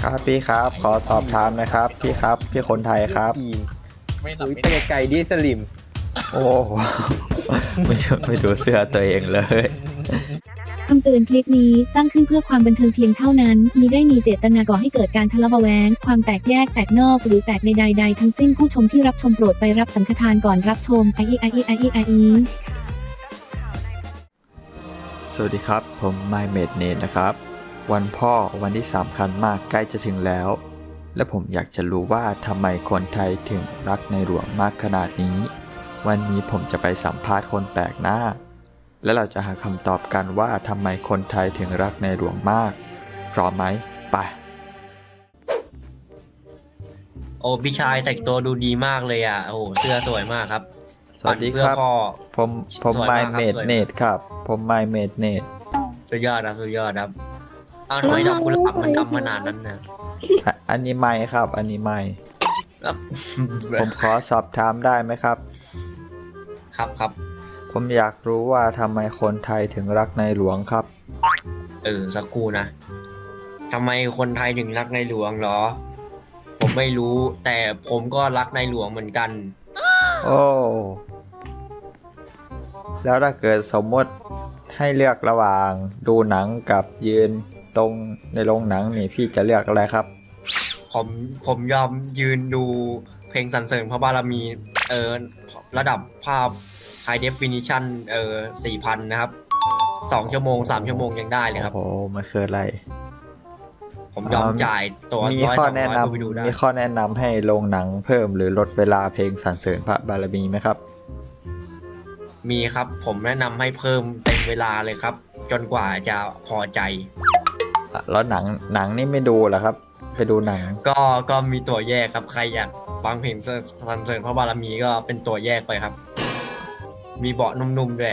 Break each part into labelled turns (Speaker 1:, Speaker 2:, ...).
Speaker 1: ครับพี่ครับขอสอบถามนะครับพี่ครับพี่คนไทยครับ
Speaker 2: ทีม
Speaker 3: ไม่หลับ
Speaker 2: อุ้ย
Speaker 3: ไม่
Speaker 2: ไป
Speaker 3: นอน
Speaker 2: ไกลๆดิสลิม
Speaker 1: โอ้โห ไม่ดูเสื้อตัวเองเลย
Speaker 4: คำเตือนคลิปนี้สร้างขึ้นเพื่อความบันเทิงเพียงเท่านั้นมิได้มีเจตนาก่อให้เกิดการทะเลาะเบาะแว้งความแตกแยกแตกนอกหรือแตกในใดๆทั้งสิ้นผู้ชมที่รับชมโปรดไปรับสังฆทานก่อนรับชมไออี
Speaker 1: สวัสดีครับผม My Mate Nate นะครับวันพ่อวันที่สำคัญมากใกล้จะถึงแล้วและผมอยากจะรู้ว่าทำไมคนไทยถึงรักในหลวงมากขนาดนี้วันนี้ผมจะไปสัมภาษณ์คนแปลกหน้าและเราจะหาคำตอบกันว่าทำไมคนไทยถึงรักในหลวงมากพร้อมไหมไป
Speaker 5: โอ้พี่ชายแต่งตัวดูดีมากเลยอ่ะโอ้เสื้อสวยมากครับ
Speaker 1: สวัสดีครับ
Speaker 5: เพื่อพ่อ
Speaker 1: ผม
Speaker 5: สวย
Speaker 1: My
Speaker 5: มากครับ
Speaker 1: Mate
Speaker 5: สวยมาก
Speaker 1: Nate ครับผม My Mate Nate
Speaker 5: สุดยอดครับสุดยอดครับอ้าวทำไมดอกกุหลาบมันดำขนาดนั้นนะ
Speaker 1: อันนี้ไม่ครับอันนี้ไม่
Speaker 5: ครับ
Speaker 1: ผมขอสอบถามได้ไหมครับ
Speaker 5: ครับ
Speaker 1: ผมอยากรู้ว่าทำไมคนไทยถึงรักในหลวงครับ
Speaker 5: สักครู่นะทำไมคนไทยถึงรักในหลวงเหรอ ผมไม่รู้แต่ผมก็รักในหลวงเหมือนกัน
Speaker 1: โอ้ แล้วถ้าเกิดสมมติให้เลือกระหว่างดูหนังกับยืนตรงในโรงหนังนี่พี่จะเลือกอะไรครับ
Speaker 5: ผมยอมยืนดูเพลงสรรเสริญพระบารมีระดับภาพ High Definition 4,000 นะครับ2 ชั่วโมง 3 ชั่วโมงยังได้เลยครับ
Speaker 1: โอ้โหมันคืออะไร
Speaker 5: ผมยอมจ่ายตัว
Speaker 1: มี
Speaker 5: 100
Speaker 1: ข้อแนะ
Speaker 5: 200
Speaker 1: น
Speaker 5: เพื่อไปดูได้
Speaker 1: ำมีข้อแนะนำให้โรงหนังเพิ่มหรือลดเวลาเพลงสรรเสริญพระบารมีไหมครับ
Speaker 5: มีครับ ผมแนะนำให้เพิ่มเต็มเวลาเลยครับ จนกว่าจะพอใจ
Speaker 1: แล้วหนังนี่ไม่ดูเหรอครับ ไปดูหนัง
Speaker 5: ก็มีตัวแยกครับ ใครอยากฟังเพลงสรรเสริญพระบารมีก็เป็นตัวแยกไปครับ มีเบาะนุ่มๆด้วย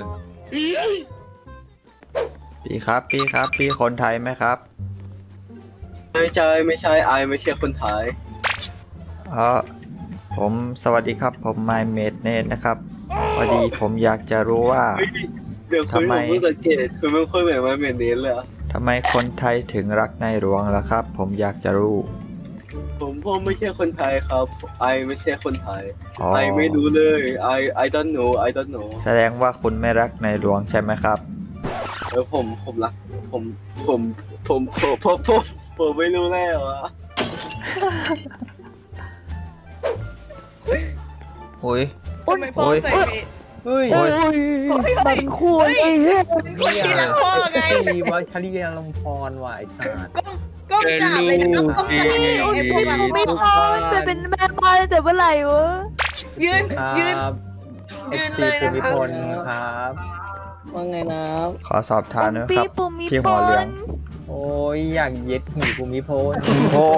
Speaker 1: พี่ครับพี่คนไทยไหมครับ
Speaker 2: ไม่ใช่ไอไม่ใช่คนไทย
Speaker 1: ผมสวัสดีครับผม My Mate Nate นะครับพอดีผมอยากจะรู้ว่า
Speaker 2: เดี๋ยวคุณผมเพิ่งสังเกตคุณไม่ค่อยเหมือนมาเมนเนสเลยอะ
Speaker 1: ทำไมคนไทยถึงรักในหลวงล่ะครับ ผมอยากจะรู้
Speaker 2: ผมไม่ใช่คนไทยครับไอไม่ใช่คนไทย
Speaker 1: อ๋อ
Speaker 2: ไอไม่รู้เลยI don't know
Speaker 1: แสดงว่าคุณไม่รักในหลวงใช่ไหมครับ
Speaker 2: ผมรักผมไม่รู้แล้วอะ
Speaker 1: โอ้ย
Speaker 6: ทำไมพ่อ
Speaker 1: โอ้ย
Speaker 6: ใส่
Speaker 2: เฮ้ย
Speaker 1: โอ้ย
Speaker 2: มันควรไอ้เหี้ย
Speaker 6: ที่รักพ่อไง
Speaker 2: ตีวัชรีลมพรว่ะไอ้สัส
Speaker 6: ก้มกราบเลยนะก้มกราบเลยไอ้พวกเราไม่พอ
Speaker 7: จะเป็นแม่บ้านแต่เมื่อไหร่วะ
Speaker 6: ยืน
Speaker 2: ครับ
Speaker 6: ยืน
Speaker 2: FC
Speaker 6: เลย
Speaker 2: ภู
Speaker 6: นะ
Speaker 2: มิ
Speaker 6: คะ
Speaker 2: พลครับว่าไงนะ
Speaker 1: ขอสอบถามหนะค
Speaker 7: ปี
Speaker 1: รับ
Speaker 7: ปุ่มมี
Speaker 1: พี่
Speaker 7: ป
Speaker 1: หัว
Speaker 7: อ
Speaker 1: เหลือง
Speaker 7: น
Speaker 2: โอ้ยอยากเย็ดหีภูมิพล
Speaker 1: โอ้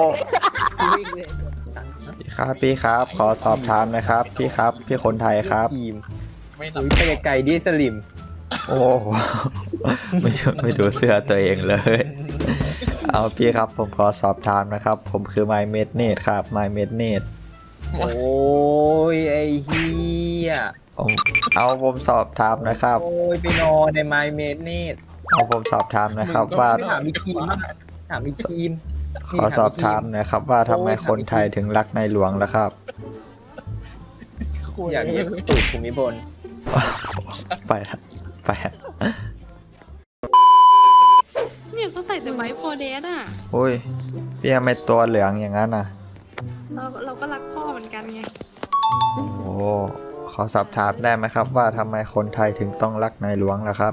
Speaker 1: พี่ครับ ขอสอบถามนะครับ พี่ครับ พี่คนไทยครับ
Speaker 2: ทีม
Speaker 3: ไม่หลับ
Speaker 2: อุ้ยไปไกลๆดิสลิม
Speaker 1: โอ้โห ไม่ดูเสื้อตัวเองเลย เอาพี่ครับผมขอสอบถามนะครับ ผมคือ My Mate Nate ครับ My Mate Nate
Speaker 2: โอ้ยไอ้เฮีย
Speaker 1: ผมสอบถามนะครับ
Speaker 2: โอ้ยไปนอนในไมเมดนี่
Speaker 1: ผมสอบถามนะครับว่า
Speaker 2: ถามมีทีมบ้างถามมีทีม
Speaker 1: ขอสอบถามนะครับว่าทำไมคนไทยถึงรักในหลวงล่ะครับ
Speaker 2: อยากเย็ดตูดภูมิพล
Speaker 1: ไปละไปละ
Speaker 8: เนี่ยก็ใส่แต่ไว้ฟอร์เดสอ่ะ
Speaker 1: อุ้ยพี่ทำไมตัวเหลืองอย่างนั้นอ่ะ
Speaker 8: เราก็รักพ่อเหมือนกันไง
Speaker 1: โอ้ขอสอบถามได้ไหมครับว่าทำไมคนไทยถึงต้องรักในหลวงล่ะครับ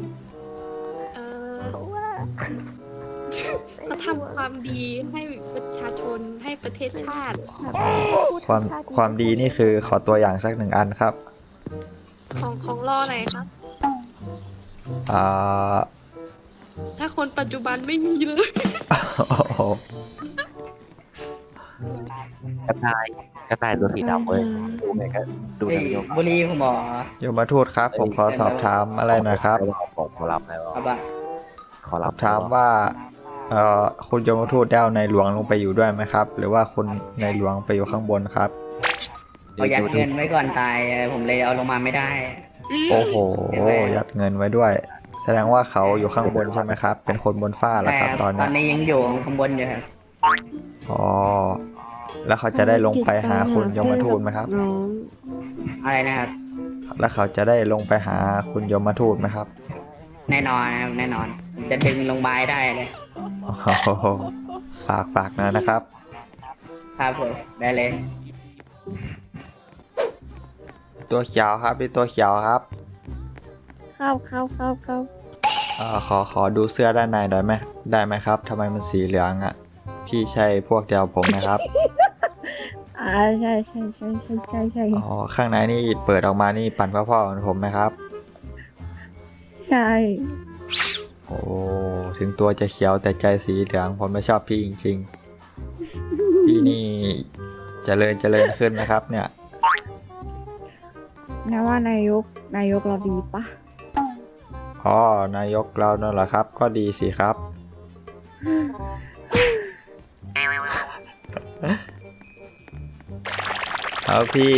Speaker 8: ว่าเราทำความดีให้ประชาชนให้ประเทศชาติ
Speaker 1: ความดีนี่คือขอตัวอย่างสักหนึ่งอันครับ
Speaker 8: ของรอไหนครับ
Speaker 1: อ่า
Speaker 8: ถ้าคนปัจจุบันไม่มีเลย
Speaker 1: โอ้โห
Speaker 9: กระต่ายตัวสีดำเว้ยดูไงก็ดูทางโยม
Speaker 10: บุรีผมบอก
Speaker 1: โยมทูตครับ ผมขอสอบถามอะไรหนะครับ
Speaker 9: ของขอรับนะว่า
Speaker 10: ครับว่า
Speaker 9: ขอ
Speaker 1: ส
Speaker 9: รั
Speaker 1: อ
Speaker 9: บบ
Speaker 1: ถามว่าคุณโยมทูตได้เอาในหลวงลงไปอยู่ด้วยไหมครับ หรือว่าคุณในหลวงไปอยู่ข้างบนครับ
Speaker 10: เขายัดเงินไว้ก่อนตายผมเลยเอาลงมาไม่ได้
Speaker 1: โอ้โหยัดเงินไว้ด้วย แสดงว่าเขาอยู่ข้างบนใช่ไหมครับ เป็นคนบนฟ้าเหรอ
Speaker 10: แต่
Speaker 1: ครับตอน
Speaker 10: ตอ
Speaker 1: นี้
Speaker 10: นนี้ยังอยู่ข้างบนอยู่ครับ
Speaker 1: อ๋อ แล้วเขาจะได้ลงไปหาคุณยมทูตไหมครับ
Speaker 7: น้อง
Speaker 10: อะไรนะครับ
Speaker 1: แล้วเขาจะได้ลงไปหาคุณยมทูตไหมครับ
Speaker 10: แน่นอนนะครับแน่นอน จะดึงลงไม้ได้เลย
Speaker 1: โอ้โหฝากนะครับ
Speaker 10: ครับผมได้เลย
Speaker 1: ตัวเขียวครับพี่ตัวเขียวครับ
Speaker 7: เข้า
Speaker 1: ขอดูเสื้อด้านในหน่อยไหมได้ไหมครับทำไมมันสีเหลืองอ่ะ พี่ใช่พวกเดียวผมไหมครับ
Speaker 7: ใช่
Speaker 1: อ๋อ ข้างในนี่เปิดออกมานี่ปั่นพ่อๆเหมือนผมไหมครับ
Speaker 7: ใช่
Speaker 1: โอ้ ถึงตัวจะเขียวแต่ใจสีเหลืองผมไม่ชอบพี่จริงๆ พี่นี่เจริญขึ้นนะครับ เนี่ย
Speaker 7: นะว่านายกเราดีปะ
Speaker 1: อ๋อนายกเรานั่นเหรอครับ ก็ดีสิครับ เอาพี่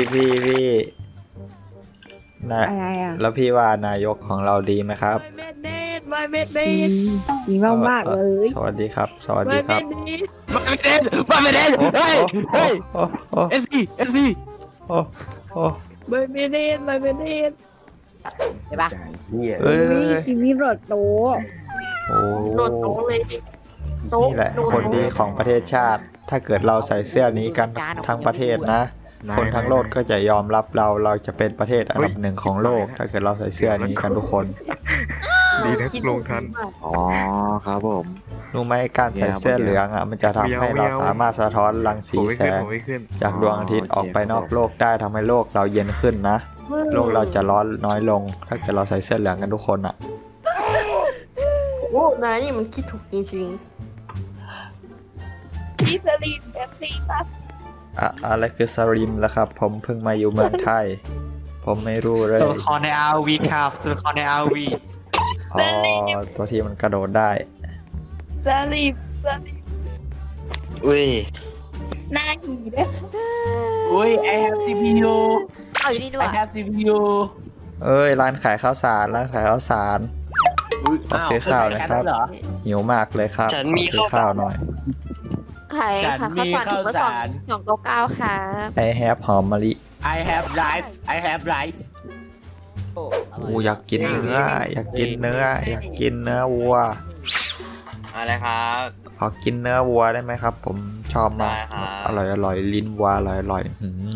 Speaker 1: นะ
Speaker 7: อะไรอ่ะ
Speaker 1: แล้วพี่ว่านายกของเราดีไหมครับ
Speaker 8: ไม่เม็ดเนต
Speaker 7: ดีมากๆเลย
Speaker 1: สวัสดีครับ สวัสดีครับ
Speaker 9: มาไม่ได้เฮ้ยเฮ้ย
Speaker 1: โอ้โอ้
Speaker 9: เอฟซี
Speaker 1: โอ้โอ้
Speaker 8: ไม่เนตใช่ปะ
Speaker 1: เอ้ย
Speaker 7: ทีวีรถโต
Speaker 1: โอ้
Speaker 8: โดนโต๊ะเลยโต๊ะ
Speaker 1: นี่แหละ คนดีของประเทศชาติ ถ้าเกิดเราใส่เสื้อนี้กันทั้งประเทศนะ คนทั้งโลกก็จะยอมรับเราจะเป็นประเทศอันดับหนึ่งของโลก ถ้าเกิดเราใส่เสื้อนี้กันทุกคน
Speaker 9: ดีนะลงทันอ๋อครับผม
Speaker 1: รู้ไหมการใส่เสื้อเหลืองอ่ะมันจะทำให้เราสามารถสะท้อนรังสีแสง จากดวงอาทิตย์ออกไปนอกโลกได้ทำให้โลกเราเย็นขึ้นนะ โลกเราจะร้อนน้อยลง ถ้าเกิดเราใส่เสื้อเหลืองกันทุกคนอ่ะ
Speaker 8: โอ้นายนี่มันคิดถูกจริงๆที่สลีปแบบนี้ปะ
Speaker 1: อะไรคือสลิมล่ะครับ ผมเพิ่งมาอยู่เมืองไทย ผมไม่รู้เลย
Speaker 3: ตัวละครใน RV ครับตัวละครใน RV
Speaker 1: อ๋อ ตัวที่มันกระโดดได้
Speaker 8: สลีป
Speaker 9: อุ้ย
Speaker 8: หน้าหีด้วย
Speaker 3: อุ้ย I have CPU
Speaker 8: เอาอยู่นี่ด้วย
Speaker 3: I have CPU
Speaker 1: เอ้ย ร้านขายข้าวสาร ร้านขายข้าวสาร ขอซื้อข้าวหนะครับ
Speaker 3: เหรอ
Speaker 1: หิวมากเลยครับ
Speaker 9: ฉัน
Speaker 1: ขอ
Speaker 9: มี
Speaker 1: ซื้อข้าวหน่อย
Speaker 8: ไข่
Speaker 3: ฉั
Speaker 8: ค่ะ
Speaker 3: นมี
Speaker 8: ข้าวสารถุงละ
Speaker 3: ข้าวสาร
Speaker 8: 299ค่ะ
Speaker 1: ไอแฮปหอมมะลิ
Speaker 3: I have rice I have rice
Speaker 1: อูอยากกินเนื้อ อยากกินเนื้อ อยากกินเนื้อวัว
Speaker 9: อะไรครับ
Speaker 1: ขอกินเนื้อวัวได้ไหมครับ ผมชอบมาก
Speaker 9: ได้ครับ
Speaker 1: อร่อยลิ้นวัวอร่อย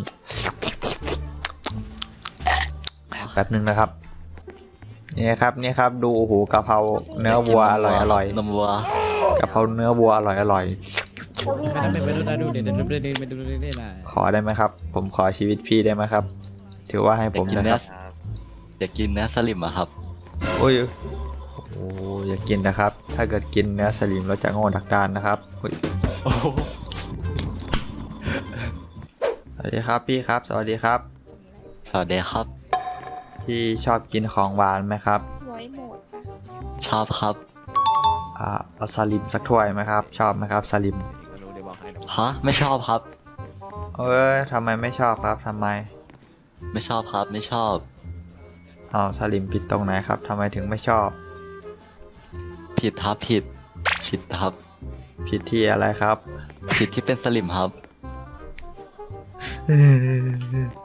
Speaker 1: แป๊บนึงนะครับ นี่ครับดูโอ้โหกะเพราเนื้อวัวอร่อย
Speaker 9: นมวัว
Speaker 1: กะเพราเนื้อวัวอร่อยขอได้ไหมครับ ผมขอชีวิตพี่ได้ไหมครับ ถือว่าให้ผมนะครับ
Speaker 9: อยากกินเนื้อสลิมอะครับ
Speaker 1: โอ้ยโอ้อย่ากินนะครับ ถ้าเกิดกินเนื้อสลิมเราจะโง่ดักดานนะครับอุ๊ยสวัสดีครับพี่ครับ สวัสดีครับ
Speaker 9: สวัสดีครับ
Speaker 1: พี่ชอบกินของหวานไหมครับ
Speaker 8: ไว้หมด
Speaker 9: ชอบครับ
Speaker 1: เอาสลิมสักถ้วยไหมครับ ชอบไหมครับสลิม
Speaker 9: ฮะ ไม่ชอบครับ
Speaker 1: ทำไมไม่ชอบครับทำไม
Speaker 9: ไม่ชอบครับ ไม่ชอบ
Speaker 1: เอาสลิมผิดตรงไหนครับทำไมถึงไม่ชอบ
Speaker 9: ผิดครับ ผิดครับ
Speaker 1: ผิดที่อะไรครับ
Speaker 9: ผิดที่เป็นสลิมครับ